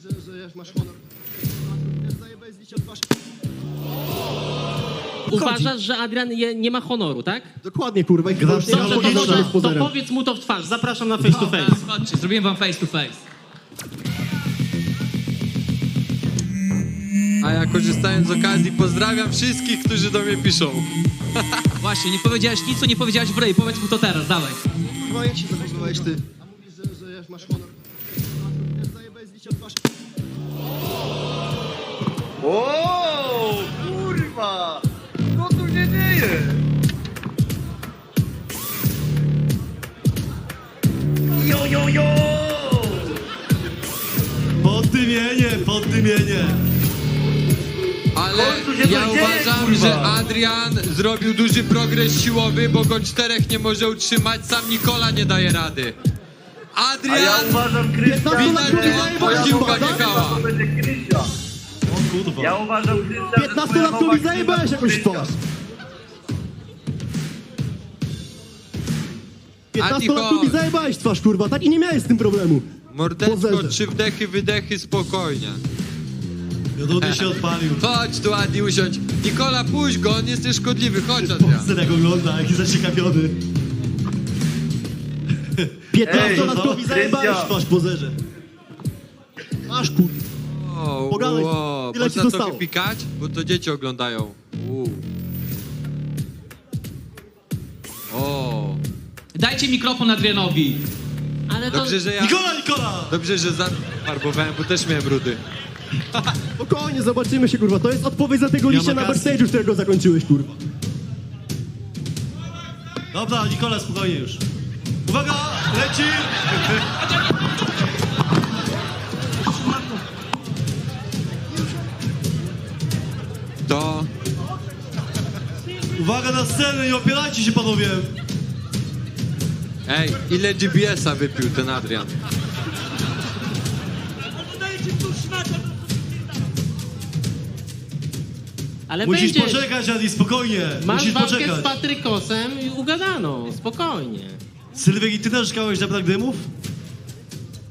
że masz honor. Zajebaj z liścia twarz. Uważasz, że Adrian nie ma honoru, tak? Dokładnie, kurwa. I Dobrze, to powiedz mu to w twarz. Zapraszam na face to face. Chodźcie, zrobiłem wam face to face. A ja korzystając z okazji pozdrawiam wszystkich, którzy do mnie piszą. Właśnie, nie powiedziałeś nic, co nie powiedziałeś w ryj. Powiedz mu to teraz, dawaj. Kurwa, jak się zachowywałeś ty? A mówisz, że masz honor. Zajebaj z liścia twarz. O, kurwa! Co tu się dzieje? Jo, jo, jo! Poddymienie. Ale ja uważam, że Adrian zrobił duży progres siłowy, bo go 4 nie może utrzymać, sam Nikola nie daje rady. A ja Adrian! uważam, Krystian, Widać, że twoja siłka nie działa. to będzie Krystian. O kurwa. Ja uważam, Krystian, że 15-latkowi zajebałeś jakąś twarz. 15-latkowi zajebałeś twarz, kurwa, tak? I nie miałeś z tym problemu. Mordeczko, Pozerze. 3 wdechy, wydechy, spokojnie. Jodudy się odpalił. Chodź tu, Adi, usiądź. Nikola, puść go, on jest nieszkodliwy, chodź, Adrian. Poster jak ogląda, jaki zaciekawiony. 15-latkowi zajebałeś Krystian. twarz, pozerze. Masz, kurwa. Wow, Pogadaj, wow. ile ci Można zostało? trochę pikać? Bo to dzieci oglądają. O, Dajcie mikrofon Adrianowi. Ale to... dobrze, że ja... Nikola! Dobrze, że farbowałem, bo też miałem brudy. Spokojnie, zobaczymy się, kurwa. To jest odpowiedź za tego liścia na kasy. backstage'u, którego zakończyłeś, kurwa. Dobra, Nikola, spokojnie już. Uwaga, leci! To... Uwaga na scenę, nie opierajcie się, panowie! Ej, ile GBS-a wypił ten Adrian? Ale Musisz będzie... poczekać, Adi, spokojnie. Masz Musisz walkę poczekać. z Patrykosem i ugadano, spokojnie. Sylwek, i ty też szkałeś na brak dymów?